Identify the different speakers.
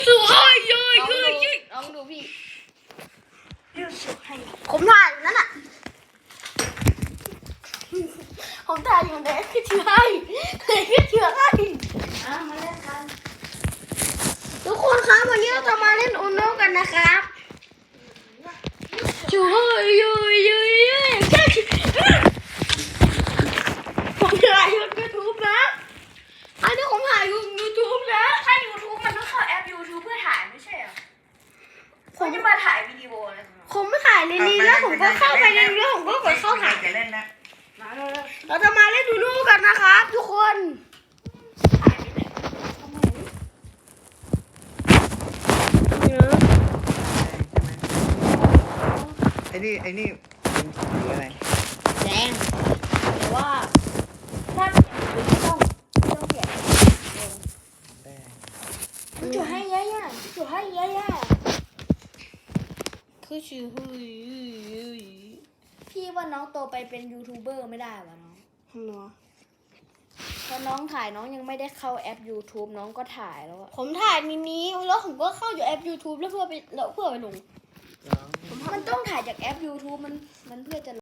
Speaker 1: สวยเยอะ
Speaker 2: ลองดูพี่
Speaker 1: ผมถ่ายอยู่นั่นน่ะผมถ่ายอยู่ไหนคือเชื่อให้คือเชื่อให้
Speaker 2: มาเล่นกัน
Speaker 1: ทุกคนครับวันนี้เราจะมาเล่นอุโนกันนะครับช่วยเยอะแค่ผมถ่ายยูทูบนะอันนี้ผมถ่ายยูทูบนะ
Speaker 2: ถ้า YouTube มันต้องเข้าแอป YouTube เพื่อถ่ายไม่ใช่เหรอผมจะมาถ่ายวิดีโออะไรของเรา
Speaker 1: ผมไม่ถ่ายในนี้แล้วผมก็เข้าไปในนี้ผมก็กดเข้าถ่าย
Speaker 3: จะเล่นนะ
Speaker 1: เราจะมาเล่นอุโนกันนะครับทุกคน
Speaker 3: ไอ้นี่เป็นสีอะไร
Speaker 1: แดงแต่ว่าถ้าต้องเปลี่ยน
Speaker 3: แดง
Speaker 1: จุดให้ย่าจุดให้ย่าคือชื่อ
Speaker 2: พี่ว่าน้องโตไปเป็นยูทูบเบอร์ไม่ได้วะน้อง
Speaker 1: เนาะ
Speaker 2: เพราะน้องถ่ายน้องยังไม่ได้เข้าแอป YouTube น้องก็ถ่ายแล้วอะ
Speaker 1: ผมถ่ายมินิแล้วผมก็เข้าอยู่แอป YouTube แล้วเพื่อไปลง
Speaker 2: มันต้องถ่ายจากแอป YouTube มันเพื่อจะ